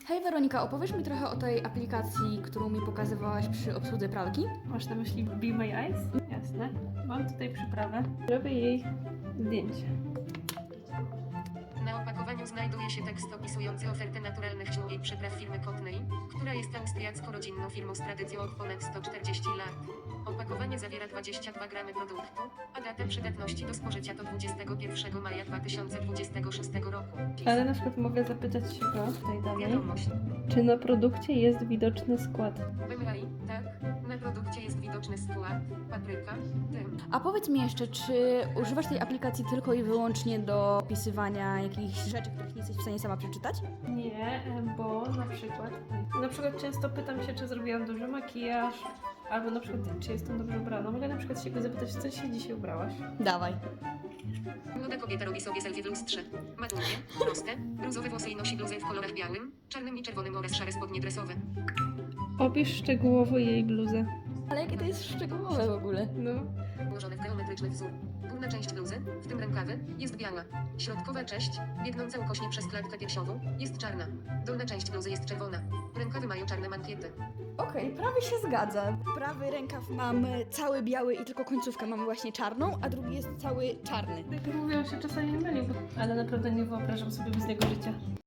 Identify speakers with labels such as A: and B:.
A: Hej Weronika, opowiesz mi trochę o tej aplikacji, którą mi pokazywałaś przy obsłudze pralki?
B: Masz na myśli Be My Eyes? Jasne. Mam tutaj przyprawę. Robię jej zdjęcie.
C: Na opakowaniu znajduje się tekst opisujący ofertę naturalnych ziół i przypraw firmy Kotnej, która jest austriacko-rodzinną firmą z tradycją od ponad 140 lat. Opakowanie zawiera 22 gramy produktu, a datę przydatności do spożycia to 21 maja 2026 roku.
B: Ale na przykład mogę zapytać się go tutaj dalej,
C: Wiadomość.
B: czy na produkcie jest widoczny skład.
C: Wymyj, tak. Na produkcie jest widoczny skład, papryka, dym.
A: A powiedz mi jeszcze, czy używasz tej aplikacji tylko i wyłącznie do opisywania jakichś rzeczy, których nie jesteś w stanie sama przeczytać?
B: Nie, bo na przykład często pytam się, czy zrobiłam dobrze makijaż, albo na przykład, czy jestem dobrze ubrana. Mogę na przykład się go zapytać, co się dzisiaj ubrałaś?
A: Dawaj.
C: Młoda kobieta robi sobie selfie w lustrze. Ma długie, proste, brązowe włosy i nosi bluzę w kolorach białym, czarnym i czerwonym oraz szare spodnie dresowe.
B: Opisz szczegółowo jej bluzę.
A: Ale jakie to jest szczegółowe w ogóle?
B: No.
C: Ułożone w geometryczny wzór. Górna część bluzy, w tym rękawy, jest biała. Środkowa część, biegnąca ukośnie przez klatkę piersiową, jest czarna. Dolna część bluzy jest czerwona. Rękawy mają czarne mankiety.
A: Okej, prawie się zgadza. Prawy rękaw mamy cały biały i tylko końcówkę mamy właśnie czarną, a drugi jest cały czarny.
B: Tak jak mówię, on się czasami myli, ale naprawdę nie wyobrażam sobie bez niego życia.